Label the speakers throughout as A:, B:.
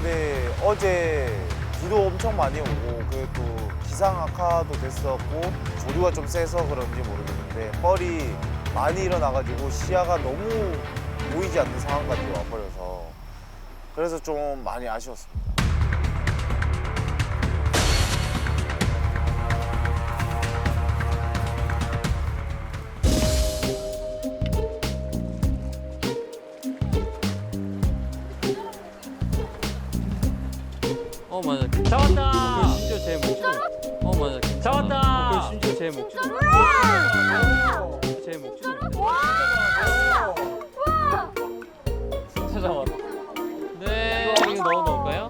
A: 근데 어제 비도 엄청 많이 오고 또 기상 악화도 됐었고 조류가 좀 세서 그런지 모르겠는데 뻘이 많이 일어나가지고 시야가 너무 보이지 않는 상황까지 와버려서 그래서 좀 많이 아쉬웠습니다.
B: 맞아. 잡았다. 그 심지어 제 목줄. 맞아. 잡았다. 그 심지어 제 목줄. 제 목줄. 진짜 잡았다. 네. 이거 넣어 놓을까요?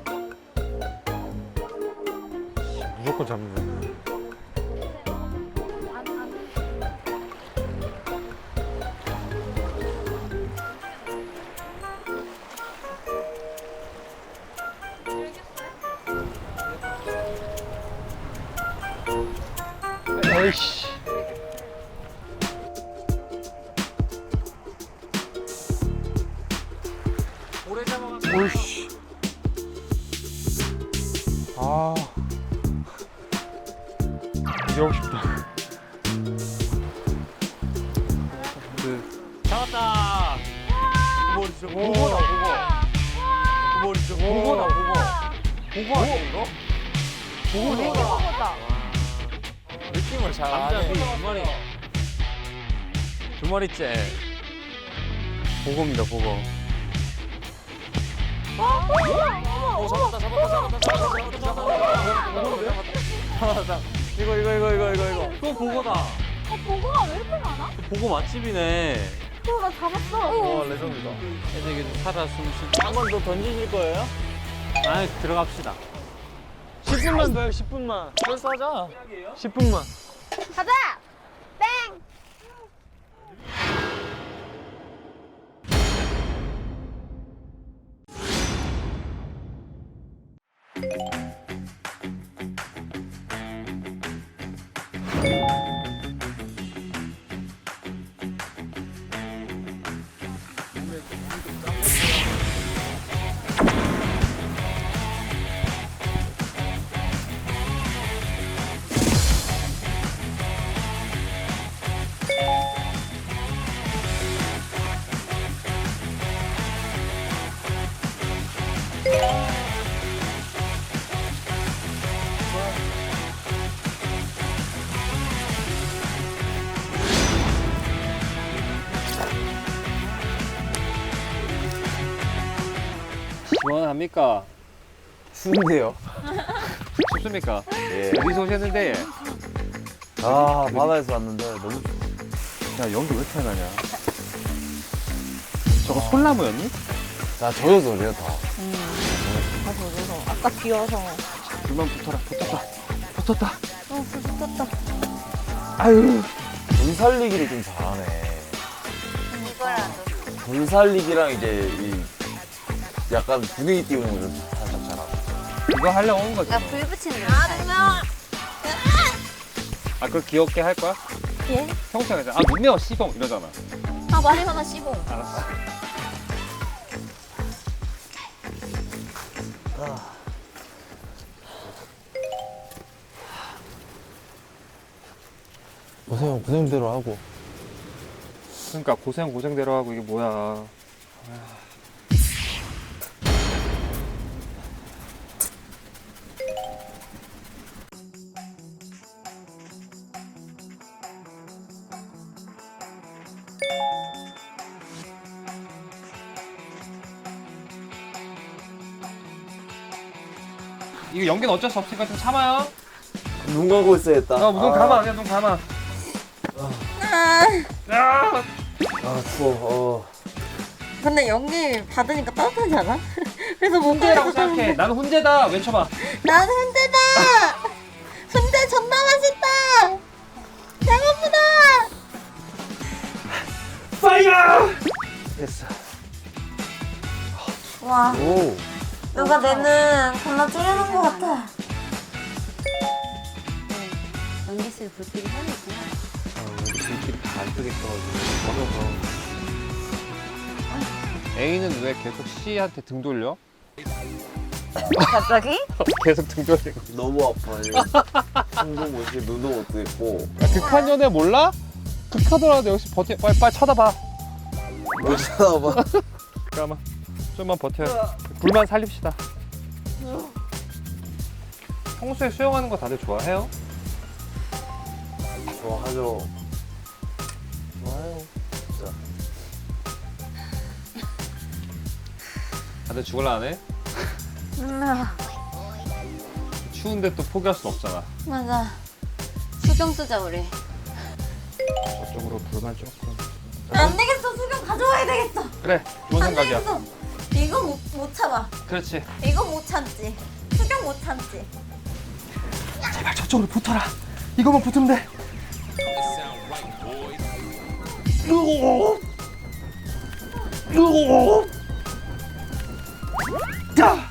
C: 무조건 잡는 거야.
B: 에이씨. 오래 잡아가지고.
C: 오이씨. 아. 이제 하고 싶다.
B: 잡았다.
C: 머리 진짜 보고다 보고. 머리 진짜 보고다 보고. 보고 아니야 이거? 보고다. 느낌을 잘
B: 남자
C: 아네.
B: 두 마리. 두 마리째. 보고입니다, 보고.
C: 잡았다. 이거.
B: 또 보고다.
D: 보고가 왜 이렇게 많아?
B: 보고 맛집이네.
D: 나 잡았어.
C: 와 레전드다.
B: 애들이 살아 숨쉬.
A: 한 번 더 던지실 거예요?
B: 아, 들어갑시다.
C: 10분만 더요 10분만.
A: 벌써 하자.
C: 10분만.
D: 가자! 땡!
B: 시원합니까?
A: 추운데요.
B: 춥습니까?
A: 예.
B: 어디서 오셨는데?
A: 아 바다에서 왔는데 너무
B: 야, 연기 왜 이렇게 나냐? 저거 솔나무였니?
A: 다 젖어서 그래요 다.
D: 아까 비어서.
B: 불만 붙어라. 붙었다.
D: 붙었다.
A: 아유. 물 살리기를 좀 잘하네.
D: 이거라도.
A: 물 살리기랑 이제 이 약간 분위기 띄우는 걸 좀 살짝 잘하고.
B: 이거 하려고 온 거지.
D: 야, 불 붙이는 거. 아,
B: 아, 그걸 귀엽게 할 거야?
D: 예?
B: 평소에 그냥, 아, 눈 매워, 씨봉 이러잖아.
D: 아, 말이 하나 씹어.
B: 알았어.
A: 고생대로 하고.
B: 그러니까 고생대로 하고 이게 뭐야. 이거 연기는 어쩔 수 없으니까 좀 참아요.
A: 눈 감고 있어야겠다.
B: 눈 감아, 그냥 눈 감아.
A: 아 추워.
D: 근데 연기 받으니까 따뜻하지 않아? 그래서
B: 훈제라고 생각해. 나는 훈제다. 외쳐봐.
D: 나는 훈제다! 훈제 존나 맛있다! 배고프다!
B: 파이어!
A: 됐어.
D: 와,
A: 오.
D: 누가 내는 겁나 줄여놓은 것 같아. 연기실 불길이 해야겠구나.
B: 불길이 다 안 뜨겠어가지고 어려서. A는 왜 계속 C한테 등 돌려?
D: 갑자기?
B: 계속 등 돌리고.
A: 너무 아파요. 숨도 못 쉬고 눈도 못 뜨고.
B: 극한 연애 몰라? 극하더라도 역시 버텨. 빨리 쳐다봐.
A: 못 쳐다봐.
B: 잠깐만. 좀만 버텨. 불만 살립시다. 평소에 수영하는 거 다들 좋아해요?
A: 좋아하죠. 좋아요. 진짜.
B: 다들 죽을라 안 해? 추운데 또 포기할 순 없잖아.
D: 맞아. 수경 쓰자 우리.
B: 저쪽으로 불만 조금.
D: 안 되겠어. 수경 가져와야 되겠어.
B: 그래, 좋은
D: 안
B: 생각이야.
D: 되겠어. 이거 못 참아.
B: 그렇지.
D: 이거 못 참지. 수경 못 참지.
B: 제발 저쪽으로 붙어라. 이거만 붙으면 돼. 야!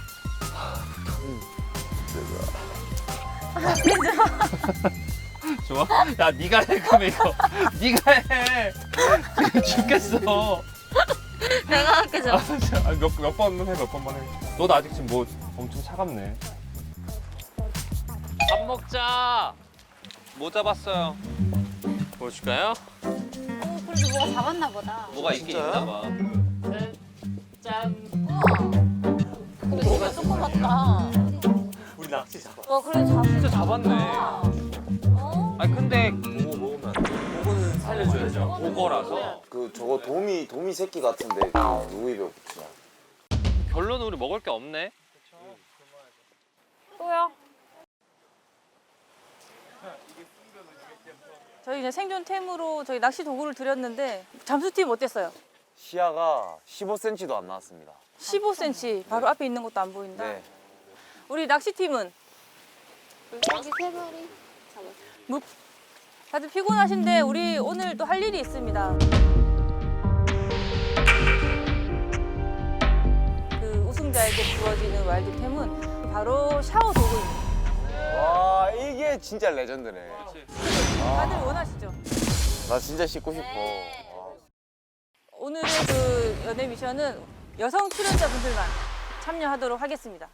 B: 좋아? 야, 네가 해 그럼 이거. 네가 해. 지금 죽겠어.
D: 내가 할게 좀.
B: 몇 번만 해, 몇 번만 해. 너도 아직 지금 뭐 엄청 차갑네. 밥 먹자. 뭐 잡았어요? 보여줄까요?
E: 그래도 뭐가 잡았나 보다.
B: 뭐가 있긴 있나 봐. 짠.
E: 근데 진짜 조그맣다.
B: 우리 낚시 잡아.
E: 그래
B: 진짜 잡았네.
E: 어?
B: 아니 근데 그거 먹으면 안 돼. 그거는 살려줘야죠. 오거라서.
A: 저거 도미 새끼 같은데 누구 입에 붙이냐?
B: 결론은 우리 먹을 게 없네.
E: 또요?
F: 저희 이제 생존템으로 저희 낚시 도구를 드렸는데 잠수팀 어땠어요?
A: 시야가 15cm도 안 나왔습니다.
F: 15cm 바로 앞에 있는 것도 안 보인다.
A: 네.
F: 우리 낚시팀은
E: 여기 세 마리.
F: 다들 피곤하신데 우리 오늘 또 할 일이 있습니다. 그 우승자에게 주어지는 와일드템은 바로 샤워 도구입니다.
A: 와 이게 진짜 레전드네.
F: 다들 원하시죠?
A: 나 진짜 씻고 싶어.
F: 오늘의 그 연애 미션은 여성 출연자분들만 참여하도록 하겠습니다.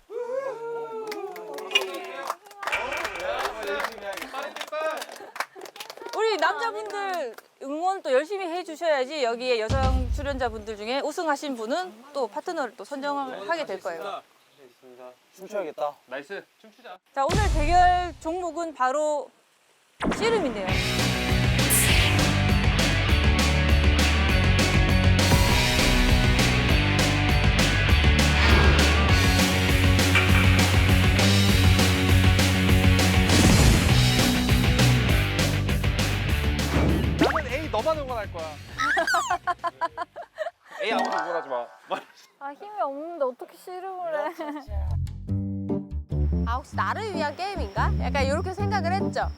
F: 우리 남자분들 응원 또 열심히 해주셔야지 여기에 여성 출연자분들 중에 우승하신 분은 또 파트너를 또 선정을 하게 될 거예요.
A: 춤춰야겠다.
B: 나이스. 춤추자.
F: 자, 오늘 대결 종목은 바로 씨름인데요.
B: 나는 A 너만 응원할 거야. A 아무도 응원하지 마.
E: 아 힘이 없는데 어떻게 씨름을 해? 아 혹시 나를 위한 게임인가? 약간 이렇게 생각을 했죠.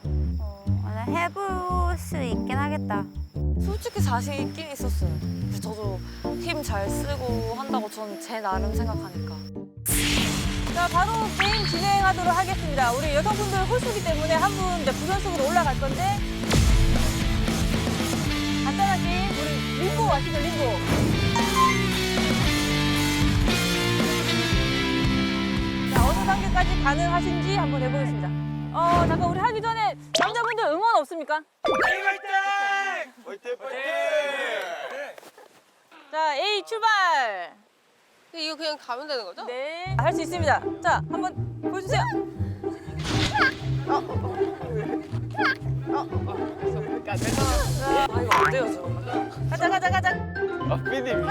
D: 해볼 수 있긴 하겠다.
G: 솔직히 자신 있긴 있었어요. 근데 저도 힘 잘 쓰고 한다고 저는 제 나름 생각하니까.
F: 자, 바로 게임 진행하도록 하겠습니다. 우리 여성분들 홀수기 때문에 한 분 부전승으로 올라갈 건데 간단한 게임, 우리 림보 아시죠? 림보. 자, 어느 단계까지 가능하신지 한번 해보겠습니다. 잠깐 우리 하기 전에 남자분들 응원 없습니까?
A: 화이팅!
F: 자, A 출발!
E: 이거 그냥 가면 되는 거죠?
F: 네, 할 수 있습니다. 자, 한번 보여주세요.
G: 아 이거 안 돼요 저.
F: 가자.
A: 아 피디님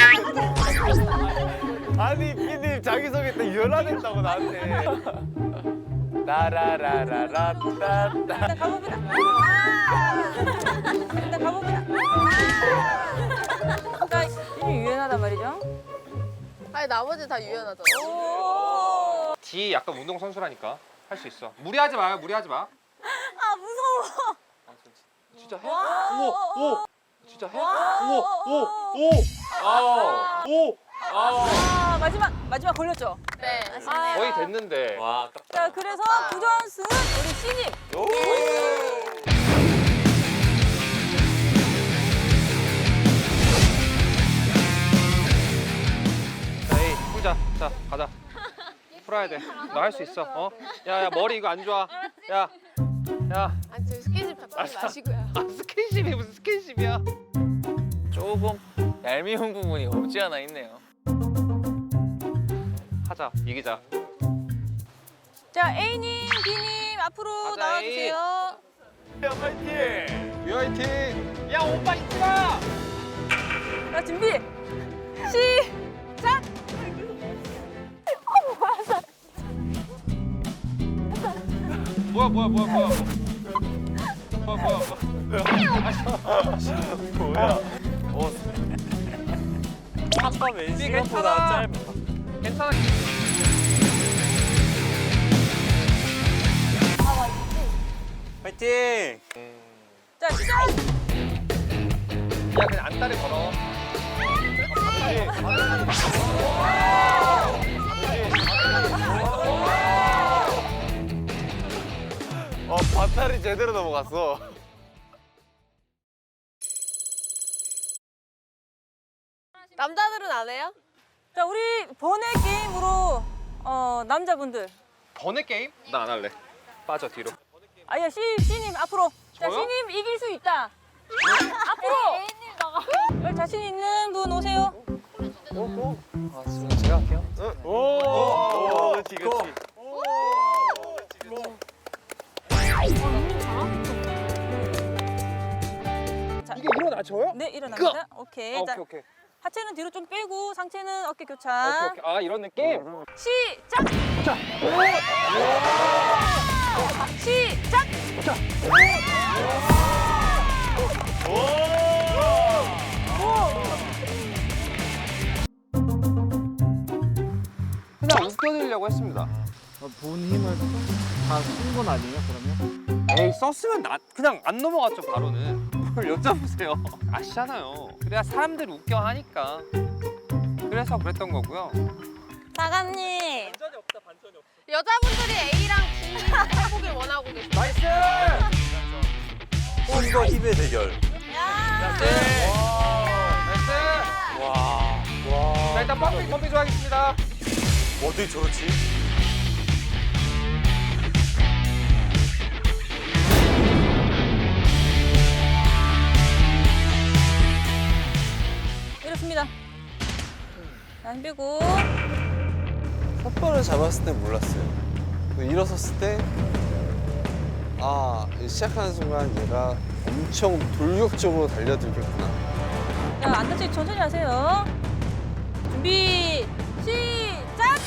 A: 아니 피디님 자기소개 때 유연하겠다고 나한테. 라라라라라따따.
F: 일단 가봅니다. 일단 가봅니다. 자, 이미 유연하단 말이죠.
E: 아니 나머지 다 유연하잖아.
F: 오.
B: D 약간 운동 선수라니까 할 수 있어. 무리하지 마요. 무리하지 마.
F: 아, 무서워.
B: 진짜 해? 오. 진짜 해? 오.
F: 아, 마지막 걸렸죠?
E: 네.
B: 거의 됐는데. 와,
F: 자, 그래서 부전승은 우리 C님.
B: 자, 에이, 풀자. 자, 가자.
H: 풀어야 돼. 너 할 수 있어. 어? 야 머리 이거 안 좋아. 야.
E: 아니 저 스킨십 잡지 마시고요.
H: 스킨십이 무슨 스킨십이야?
C: 조금 얄미운 부분이 없지 않아 있네요.
H: 하자. 이기자.
F: 자 A님, B님 앞으로
H: 가자,
F: 나와주세요.
H: 유아이팅. 야 오빠 있지 마.
F: 자 준비 시작.
H: 뭐야.
C: 한번 왼
H: 괜찮아.
C: 시간보다 짧아.
H: 괜찮아.
C: 파이팅!
F: 자 시작.
H: 야 그냥 안다리 걸어.
A: 밭다리 제대로 넘어갔어.
E: 남자들은 안 해요?
F: 자 우리 번외 게임으로 남자분들.
H: 번외 게임? 나 안 할래. 빠져 뒤로.
F: 아야 C님 앞으로. 자
H: 저요?
F: C님 이길 수 있다. 앞으로. 여기 자신 있는 분 오세요.
C: 아, 지금 제가 할게요.
A: 오, 그렇지, 그렇지.
F: 자,
H: 이게 일어나줘요?
F: 네 일어납니다. 오케이. 자,
H: 오케이.
F: 하체는 뒤로 좀 빼고 상체는 어깨 교차.
H: 오케이. 아 이런 느낌?
F: 시작. 시작.
H: 그냥 웃겨드리려고 했습니다.
B: 본 힘을 다 쓴 건 아니에요, 그러면?
H: 에이 썼으면 그냥 안 넘어갔죠 바로는. 뭘 여쭤보세요. 아시잖아요. 그래야 사람들 웃겨 하니까. 그래서 그랬던 거고요.
G: 사관님.
E: 여자분들이 A랑 B 해보길 원하고 계세요.
H: 나이스!
C: 힘과 힘의 대결.
H: 나이스! 자 일단 펌핑 좋아하겠습니다.
A: 어떻게 저렇지?
F: 이렇습니다. 자, 힘 빼고.
I: 삿발을 잡았을 땐 몰랐어요. 일어섰을 때, 시작하는 순간 얘가 엄청 돌격적으로 달려들겠구나.
F: 자, 안 다치게 천천히 하세요. 준비, 시작!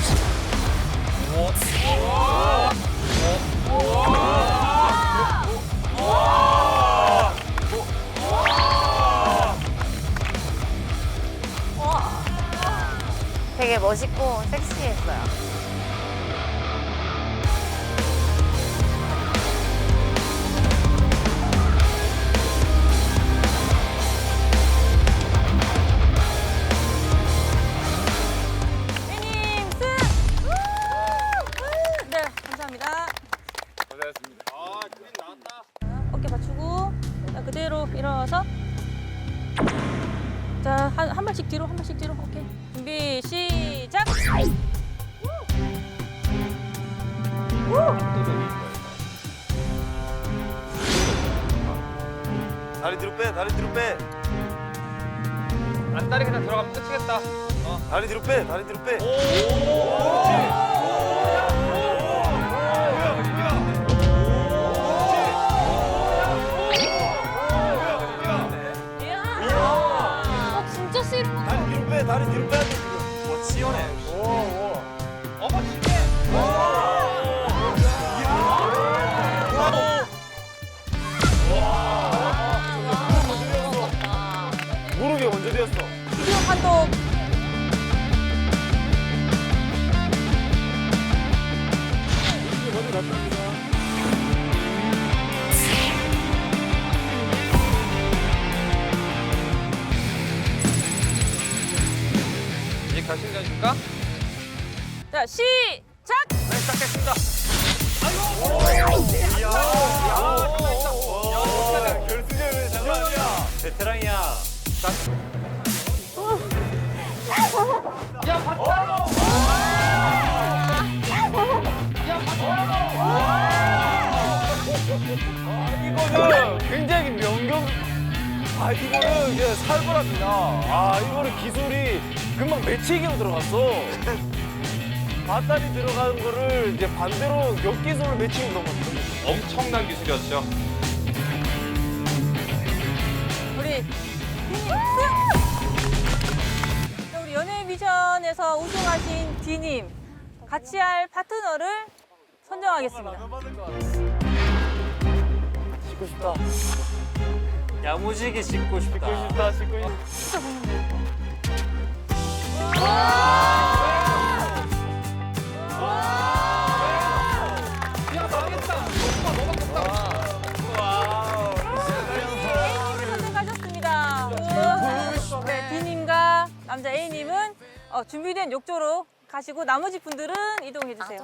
G: 되게 멋있고 섹시했어요.
F: B님 승! 네, 감사합니다.
A: 고생하셨습니다.
H: 아 그림 나왔다.
F: 어깨 받치고, 자, 그대로 일어나서. 자, 한 발씩 뒤로, 한 발씩 뒤로. 오케이. 준비, 시작!
A: 다리 뒤로 빼, 다리 뒤로 빼.
H: 안다리 그냥 들어가면 끝이겠다.
A: 다리 뒤로 빼, 다리 뒤로 빼.
E: 진짜 싫은 거.
A: 다리 뒤로 빼, 다리 뒤로 빼야 돼, 지금. 와, 시원해.
H: 어머 진짜.
A: 무릎이 먼저 되었어.
F: 비디오 판독.
H: 이제 결승전입니까?
F: 자, 시작!
H: 네 시작했습니다.
A: 결승전을 장난이야.
C: 베테랑이야.
A: 아 이거는 이제 살벌합니다. 아 이거는 기술이 금방 매치기로 들어갔어. 밧다리 들어가는 거를 이제 반대로 역기술로 매치기 넘었어.
H: 엄청난 기술이었죠.
F: 우리 자, 우리 연예 미션에서 우승하신 D님 같이 할 파트너를 선정하겠습니다.
A: 씻고 싶다.
B: 야무지게 씻고 싶다.
A: 씻고 싶다.
F: 선택하셨습니다. 네, D님과 남자 A님은 준비된 욕조로 가시고 나머지 분들은 이동해 주세요.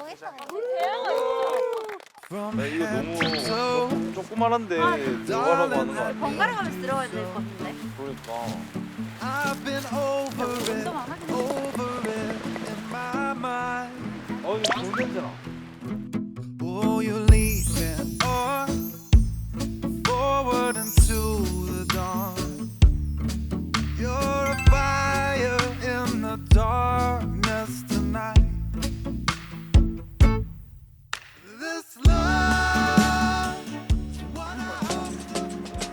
A: 이거 너무 조그만한데 들어가라고 하는 거 아니야?
D: 번갈아 가면서 들어가야 될 것 같은데.
A: 그러니까. 어 이거 좋은 냄새나.
J: Will you lead me on forward into the dawn? You're a fire in the darkness tonight. This love is what I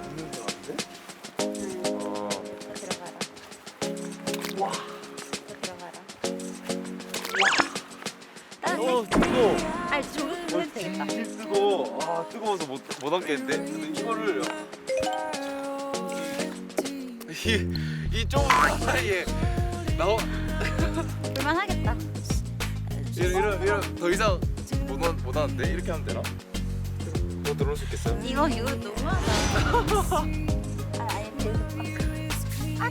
A: 뜨거워.
D: 아니 조금 해도 되겠다.
A: 뜨거워. 아 뜨거워서 못 앉겠는데. 근데 이거를 이 좁은 사이에 나와
D: 볼만하겠다.
A: 이런 더 이상 못 하는데 이렇게 하면 되나? 더 들어올 수 있겠어요?
D: 이거 너무하다. 아니 되겠다.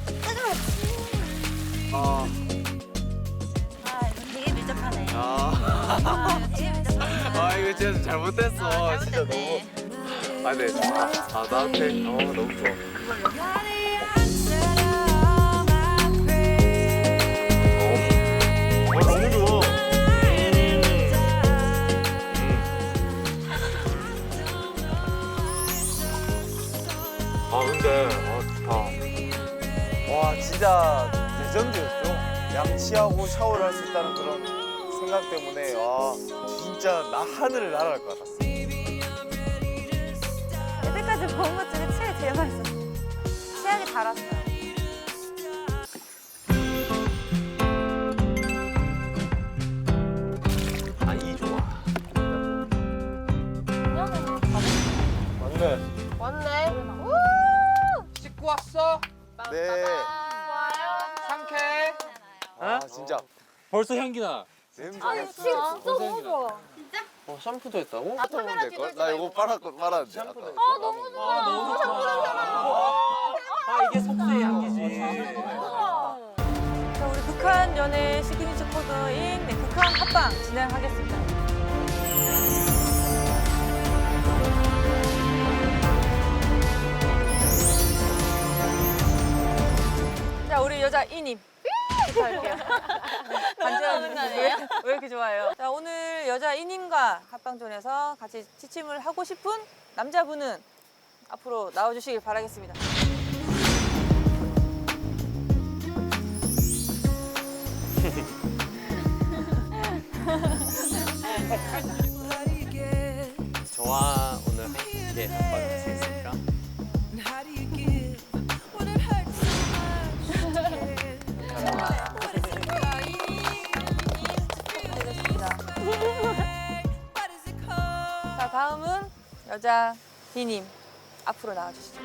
A: 아.
D: 되게 밀접하네. 되게 밀접하네.
A: 아 이거 진짜 잘못했어. 진짜 너무. 아 네. 나한테 너무 좋아. 너무 좋아. 근데 좋다. 와 진짜 레전드였죠. 양치하고 샤워를 할 수 있다는 그런 생각 때문에 와 진짜 나 하늘을 날아갈 것 같았어.
F: 여태까지 먹은 것 중에 제일 맛있었어요. 치약이 달았어요.
A: 아이 좋아. 맞네.
E: 왔네.
C: 씻고 왔어?
A: 네.
C: 상쾌해?
A: 아 진짜
B: 벌써 향기 나.
A: 냄새.
F: 진짜 너무 좋아.
I: 샴푸도 했다고?
A: 될 걸? 나 이거 빨았는데. 아까.
F: 너무 좋아.
B: 너무 좋아. 이게 속세의 향기지.
F: 자, 우리 극한 연애 시그니처 코드인 극한 합방 진행하겠습니다. 자, 우리 여자 이님. 부탁할게요. 간절한 왜 이렇게 좋아해요? 자, 오늘 여자 이님과 합방존에서 같이 취침을 하고 싶은 남자분은 앞으로 나와주시길 바라겠습니다.
B: 저와 오늘 함께 합방을 하시겠습니까? 자, 다음은 여자 D님 앞으로 나와주시죠.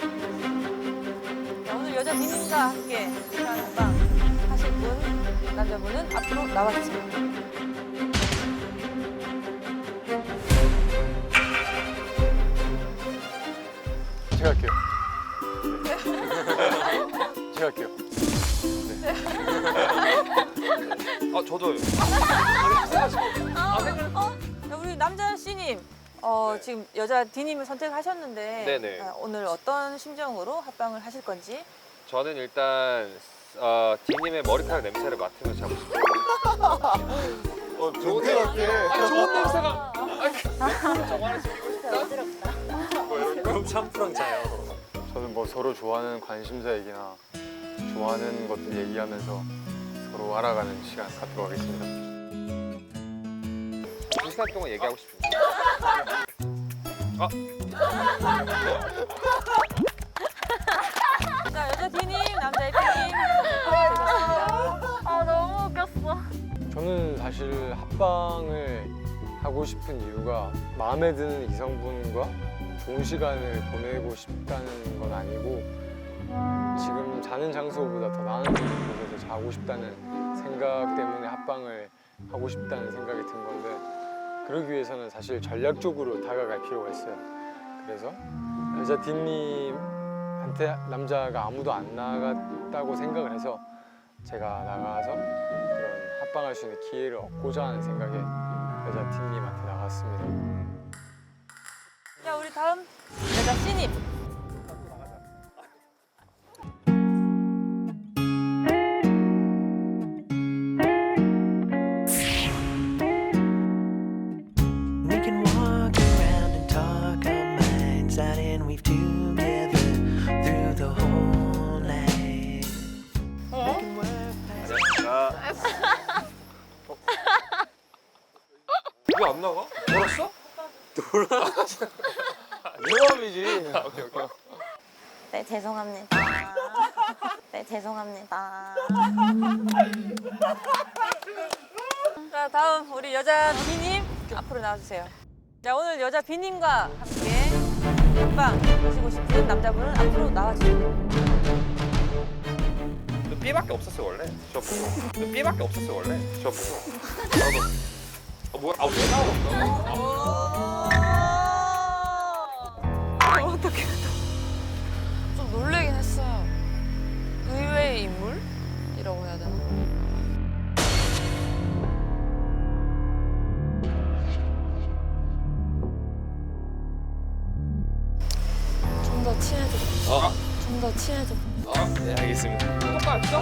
B: 자, 오늘 여자 D님과 함께 극한 합방 하실 분, 남자분은 앞으로 나와주세요.
A: 제가 할게요. 제가 할게요.
H: 저도요.
F: 자, 우리 남자 C님, 지금 여자 D님을 선택하셨는데
H: 네네.
F: 오늘 어떤 심정으로 합방을 하실 건지?
H: 저는 일단 D님의 머리카락 냄새를 맡으면서 자고 싶어요.
A: 좋은 데 같아.
H: 좋은 냄새가.
B: 그럼 샴푸랑 자요.
A: 저는
K: 뭐 서로 좋아하는 관심사 얘기나 좋아하는 것들 얘기하면서 서로 알아가는 시간 갖도록 하겠습니다.
H: 2시간 동안 얘기하고 싶습니다.
F: 자, 여자 D님, 남자 F님. 되셨습니다.
G: 아 너무 웃겼어.
K: 저는 사실 합방을 하고 싶은 이유가 마음에 드는 이성분과 좋은 시간을 보내고 싶다는 건 아니고 지금 자는 장소보다 더 나은 곳에서 자고 싶다는 생각 때문에 합방을 하고 싶다는 생각이 든 건데 그러기 위해서는 사실 전략적으로 다가갈 필요가 있어요. 그래서 여자 딘님한테 남자가 아무도 안 나갔다고 생각을 해서 제가 나가서 그런 합방할 수 있는 기회를 얻고자 하는 생각에 여자 딘님한테 나갔습니다.
F: 자, 우리 다음 여자 C님.
J: We can walk around and talk our minds out and weave together through the whole night. We can work
H: 왜 안 나가? 돌았어?
A: 모함이지.
H: 오케이 오케이.
D: 네, 죄송합니다. 네, 죄송합니다.
F: 자, 다음 우리 여자 B님 앞으로 나와주세요. 자, 오늘 여자 B님과 함께 합방 하시고 싶은 남자분은 앞으로 나와주세요.
H: 너 B밖에 없었어 원래. 저 보고. 너 B밖에 없었어 원래. 저 보고. 나도. 뭐야? 왜 나왔어?
G: 어떡해. 좀 놀래긴 했어요. 의외의 인물이라고 해야 되나? 좀 더 친해져. 좀 더 친해져.
H: 네 알겠습니다. 똑같죠?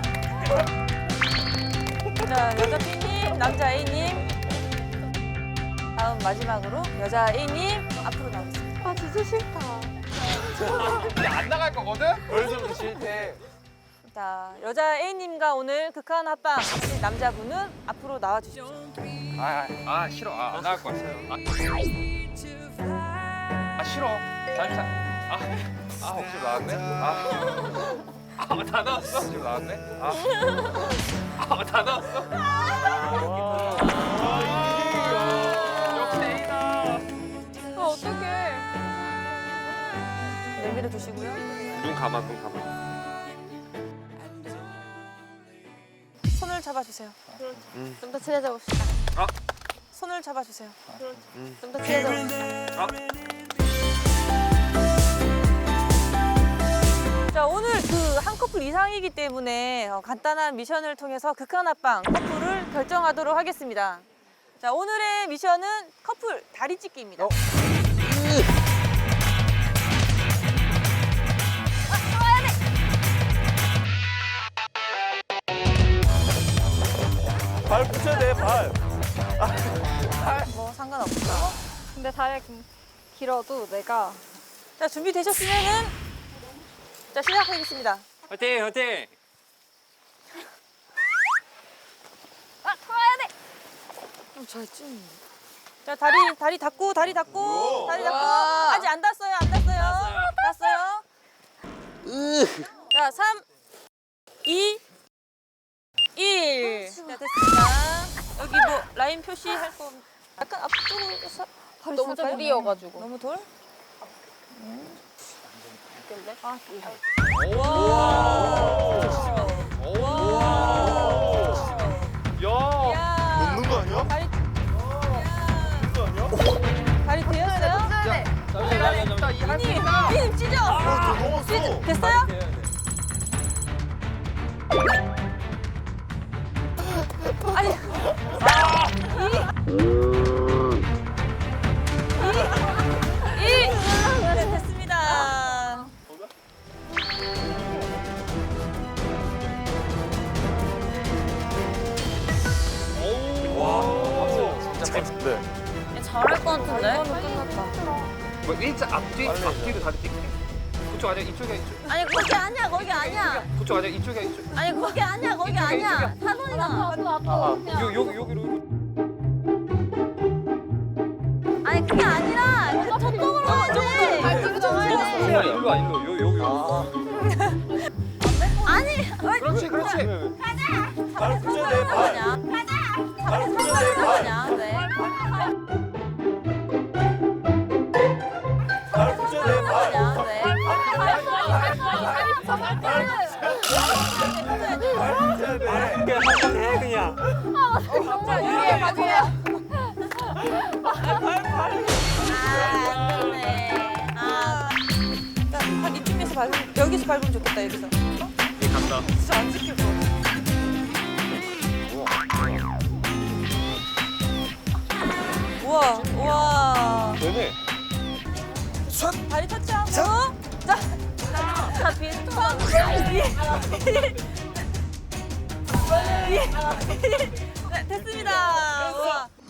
F: 자, 여자 B님, 남자 A님. 다음 마지막으로 여자 A님 앞으로 나오겠습니다.
G: 아 진짜 싫다.
H: 이제 안 나갈 거거든?
A: 벌써부터 싫대.
F: 자, 여자 A님과 오늘 극한 합방 하실 남자분은 앞으로 나와주십시오.
H: 아 싫어. 안 나갈 것 같아요. 싫어. 혹시 나왔네? 다 나왔어? 혹시 나왔네? 다 나왔어? 역시 A다.
F: 아, 어떡해. 내밀어 두시고요.
H: 눈 감아, 눈 감아.
F: 손을 잡아주세요.
E: 좀 더 친해져 봅시다.
F: 손을 잡아주세요.
E: 좀 더 친해져 봅시다.
F: 자, 오늘 그 한 커플 이상이기 때문에 간단한 미션을 통해서 극한 합방 커플을 결정하도록 하겠습니다. 자, 오늘의 미션은 커플 다리 찢기입니다.
A: 발 붙여야 돼, 발.
F: 뭐 상관없죠.
E: 근데 다리가 길어도 내가
F: 자, 준비되셨으면은 자, 시작하겠습니다.
H: 화이팅, 화이팅.
G: 잘 찢는데.
F: 자, 다리 닫고, 다리 닫고, 다리 닫고. 아직 안 닿았어요, 안 닿았어요. 닿았어요. 자, 3, 2, 1. 자, 됐습니다. 여기 뭐 라인 표시할 거 약간 앞쪽으로 서
E: 너무 돌이어가지고.
F: 너무 돌?
H: 야.
F: 야,
A: 놓는 거 아니야?
F: 다리,
A: 놓는 거 아니야?
F: 다리 되었어요?
H: 잠시만.
F: 님 찢어!
A: 넘었어.
F: 됐어요? 아니, 네, 됐습니다.
A: 네.
G: 잘할 것 같은데?
F: 이거는 끝났다.
H: 뭐 일자 앞뒤, 앞뒤로 다리 찢기. 그쪽 아니야 이쪽이야 이쪽.
D: 아니 거기 아니야 거기 아니야.
H: 그쪽 아니야 이쪽이야 이쪽.
D: 아니 거기 아니야 거기 아니야. 사돈이가.
H: 여기로.
D: 아니 그게 아니라 그 저쪽으로 가야지.
H: 일로 와 일로 여기.
D: 아니
H: 그렇지.
A: 발 붙여 내 발. 발 붙여 내 발.
D: 네.
A: 발 붙여 내 발.
D: 네.
F: 자, 위에 봐주세요. 자, 한 이쯤에서 밟으면, 여기서 밟으면 좋겠다, 여기서.
H: 간다.
F: 진짜 안 지킬 것 같아. 우와, 우와.
H: 되네.
F: 다리 터치하고. 자, 비슷한. 네, 됐습니다. 우와.